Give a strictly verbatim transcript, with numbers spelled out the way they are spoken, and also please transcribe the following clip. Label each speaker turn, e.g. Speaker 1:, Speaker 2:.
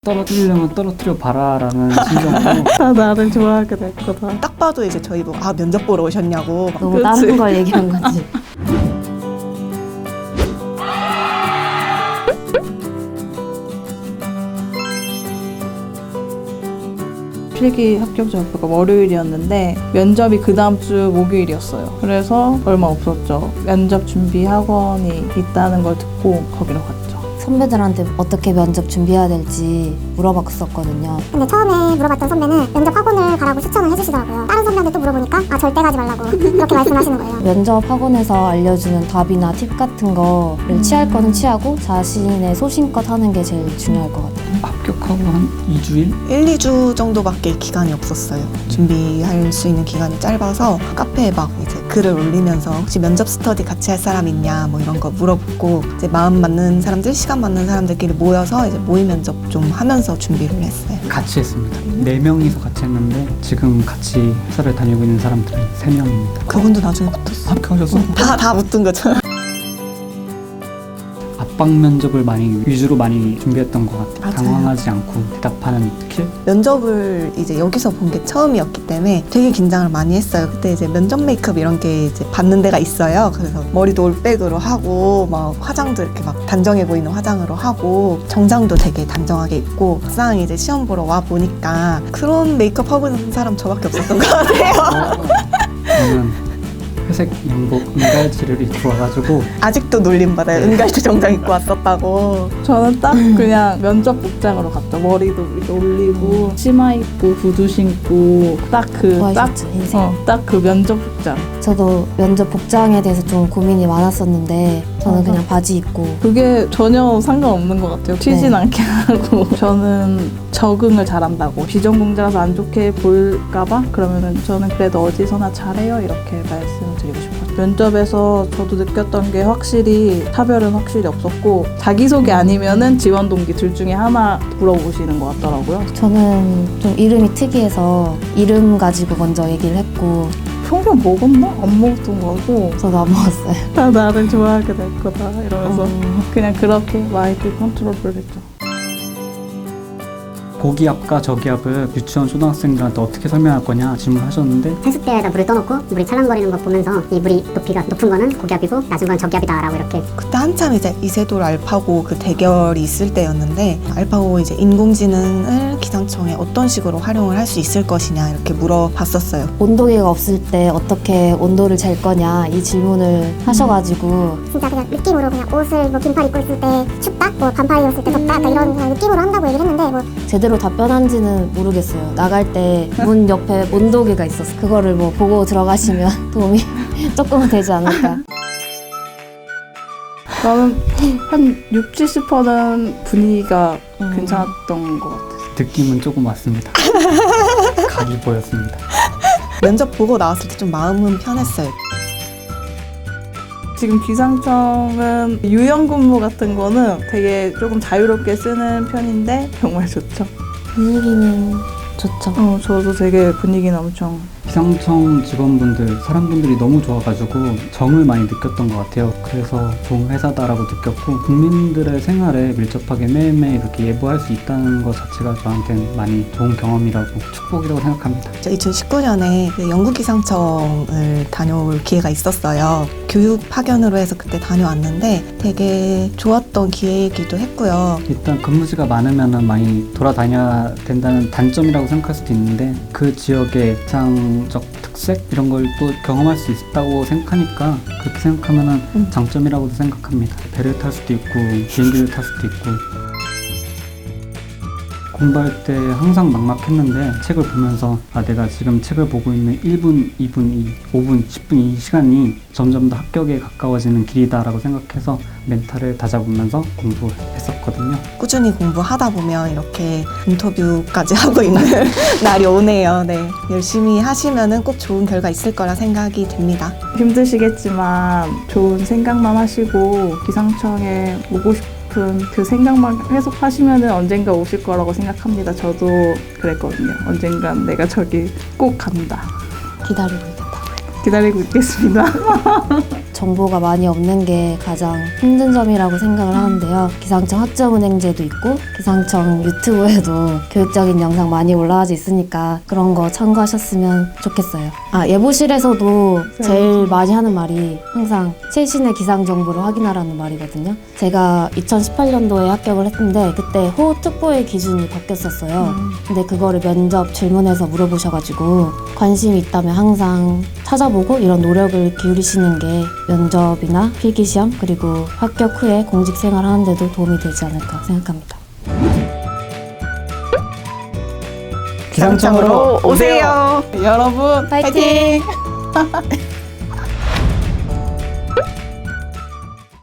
Speaker 1: 떨어뜨리려면 떨어뜨려 봐라라는 심정으로
Speaker 2: 다 나를 좋아하게 될 거다.
Speaker 3: 딱 봐도 이제 저희 보고 아 면접 보러 오셨냐고 막
Speaker 4: 너무
Speaker 2: 그치?
Speaker 4: 다른 걸 얘기한 거지.
Speaker 2: 필기 합격 발표가 월요일이었는데 면접이 그 다음 주 목요일이었어요. 그래서 얼마 없었죠. 면접 준비 학원이 있다는 걸 듣고 거기로 갔죠.
Speaker 4: 선배들한테 어떻게 면접 준비해야 될지 물어봤었거든요.
Speaker 5: 근데 처음에 물어봤던 선배는 면접 학원을 가라고 추천을 해주시더라고요. 다른 선배한테 또 물어보니까 아 절대 가지 말라고 그렇게 말씀하시는 거예요.
Speaker 4: 면접 학원에서 알려주는 답이나 팁 같은 거를
Speaker 2: 음.
Speaker 4: 취할 거는 취하고 자신의 소신껏 하는 게 제일 중요할 것 같아요.
Speaker 1: 합격하고 한 이 주일?
Speaker 3: 일, 이 주 정도밖에 기간이 없었어요. 준비할 수 있는 기간이 짧아서 카페에 막 이제 글을 올리면서 혹시 면접 스터디 같이 할 사람 있냐 뭐 이런 거 물어보고 이제 마음 맞는 사람들, 시간 맞는 사람들끼리 모여서 이제 모의 면접 좀 하면서 준비를 했어요.
Speaker 1: 같이 했습니다. 네 명이서 같이 했는데 지금 같이 회사를 다니고 있는 사람들은 세 명입니다.
Speaker 3: 그분도 나중에 붙었어.
Speaker 1: 합격하셨어?
Speaker 3: 다, 다 붙은 거죠.
Speaker 1: 압박 면접을 많이 위주로 많이 준비했던 것 같아요.
Speaker 3: 맞아요.
Speaker 1: 당황하지 않고 대답하는 스킬?
Speaker 3: 면접을 이제 여기서 본 게 처음이었기 때문에 되게 긴장을 많이 했어요. 그때 이제 면접 메이크업 이런 게 이제 받는 데가 있어요. 그래서 머리도 올백으로 하고 막 화장도 이렇게 막 단정해 보이는 화장으로 하고 정장도 되게 단정하게 입고 막상 이제 시험 보러 와 보니까 그런 메이크업 하고 있는 사람 저밖에 없었던 것 같아요.
Speaker 1: 저는 회색 양복 은갈지를 입고 와가지고
Speaker 3: 아직도 놀림받아요. 은갈치 정장 입고 왔었다고.
Speaker 2: 저는 딱 그냥 면접 복장으로 갔죠. 머리도 이렇게 올리고 치마 입고 구두 신고 딱 그 딱
Speaker 4: 와이셔츠 흰색.
Speaker 2: 어, 딱 그 면접 복장.
Speaker 4: 저도 면접 복장에 대해서 좀 고민이 많았었는데 저는
Speaker 2: 맞아.
Speaker 4: 그냥 바지 입고
Speaker 2: 그게 전혀 상관없는 것 같아요. 튀진
Speaker 4: 네.
Speaker 2: 않게 하고. 저는 적응을 잘한다고. 비전공자라서 안 좋게 볼까봐? 그러면은 저는 그래도 어디서나 잘해요. 이렇게 말씀을 드리고 싶어요. 면접에서 저도 느꼈던 게 확실히 차별은 확실히 없었고 자기소개 아니면은 지원 동기 둘 중에 하나 물어보시는 것 같더라고요.
Speaker 4: 저는 좀 이름이 특이해서 이름 가지고 먼저 얘기를 했고
Speaker 2: 평균 먹었나? 안 먹었던 거고
Speaker 4: 저도 안 먹었어요.
Speaker 2: 다 나를 좋아하게 될 거다 이러면서
Speaker 4: 어.
Speaker 2: 그냥 그렇게 마인드 컨트롤을 했죠.
Speaker 1: 고기 압과 저기 압을 유치원 초등학생들한테 어떻게 설명할 거냐 질문하셨는데
Speaker 5: 세숫대에다 물을 떠놓고 물이 찰랑거리는 거 보면서 이 물이 높이가 높은 거는 고기압이고 낮은 건 저기압이다라고 이렇게
Speaker 3: 그때 한참 이제 이세돌 알파고 그 대결이 있을 때였는데 알파고 이제 인공지능을 기상청에 어떤 식으로 활용을 할 수 있을 것이냐 이렇게 물어봤었어요.
Speaker 4: 온도계가 없을 때 어떻게 온도를 잴 거냐 이 질문을 하셔가지고
Speaker 5: 진짜 그냥 느낌으로 그냥 옷을 뭐 긴팔 입고 있을 때 춥다, 뭐 반팔 입었을 때 덥다, 약간 이런 그냥 느낌으로 한다고 얘기를 했는데 뭐
Speaker 4: 제대로 답변한지는 모르겠어요. 나갈 때 문 옆에 온도계가 있었어. 그거를 뭐 보고 들어가시면 도움이 조금은 되지 않을까.
Speaker 2: 저는 한 육, 칠십 퍼센트는 분위기가
Speaker 4: 음.
Speaker 2: 괜찮았던 것 같아요.
Speaker 1: 느낌은 조금 왔습니다. 각이 보였습니다.
Speaker 3: 면접 보고 나왔을 때 좀 마음은 편했어요.
Speaker 2: 지금 기상청은 유연근무 같은 거는 되게 조금 자유롭게 쓰는 편인데 정말 좋죠.
Speaker 4: 분위기는 좋죠.
Speaker 2: 어, 저도 되게 분위기는 엄청
Speaker 1: 기상청 직원분들, 사람분들이 너무 좋아가지고 정을 많이 느꼈던 것 같아요. 그래서 좋은 회사다라고 느꼈고 국민들의 생활에 밀접하게 매일매일 이렇게 예보할 수 있다는 것 자체가 저한테는 많이 좋은 경험이라고 축복이라고 생각합니다.
Speaker 3: 이천십구 년에 영국 기상청을 다녀올 기회가 있었어요. 교육 파견으로 해서 그때 다녀왔는데 되게 좋았던 기회이기도 했고요.
Speaker 1: 일단 근무지가 많으면 많이 돌아다녀야 된다는 단점이라고 생각할 수도 있는데 그 지역의 기상적 특색 이런 걸 또 경험할 수 있다고 생각하니까 그렇게 생각하면
Speaker 3: 음.
Speaker 1: 장점이라고도 생각합니다. 배를 탈 수도 있고 비행기를 탈 수도 있고 공부할 때 항상 막막했는데 책을 보면서 아 내가 지금 책을 보고 있는 일 분, 이 분, 이, 오 분, 십 분 이 시간이 점점 더 합격에 가까워지는 길이다라고 생각해서 멘탈을 다잡으면서 공부했었거든요.
Speaker 3: 꾸준히 공부하다 보면 이렇게 인터뷰까지 하고 있는 날이 오네요. 네, 열심히 하시면은 꼭 좋은 결과 있을 거라 생각이 듭니다.
Speaker 2: 힘드시겠지만 좋은 생각만 하시고 기상청에 오고 싶은 그 생각만 계속 하시면 언젠가 오실 거라고 생각합니다. 저도 그랬거든요. 언젠간 내가 저기 꼭 간다.
Speaker 4: 기다리고 있겠다고요.
Speaker 2: 기다리고 있겠습니다.
Speaker 4: 정보가 많이 없는 게 가장 힘든 점이라고 생각을 하는데요. 기상청 학점은행제도 있고 기상청 유튜브에도 교육적인 영상 많이 올라와져 있으니까 그런 거 참고하셨으면 좋겠어요. 아, 예보실에서도 제일 많이 하는 말이 항상 최신의 기상 정보를 확인하라는 말이거든요. 제가 이천십팔 년도에 합격을 했는데 그때 호우특보의 기준이 바뀌었었어요. 근데 그거를 면접 질문에서 물어보셔가지고 관심이 있다면 항상 찾아보고 이런 노력을 기울이시는 게 면접이나 필기시험 그리고 합격 후에 공직생활 하는데도 도움이 되지 않을까 생각합니다.
Speaker 1: 기상청으로 오세요.
Speaker 2: 여러분
Speaker 4: 파이팅!
Speaker 2: 파이팅!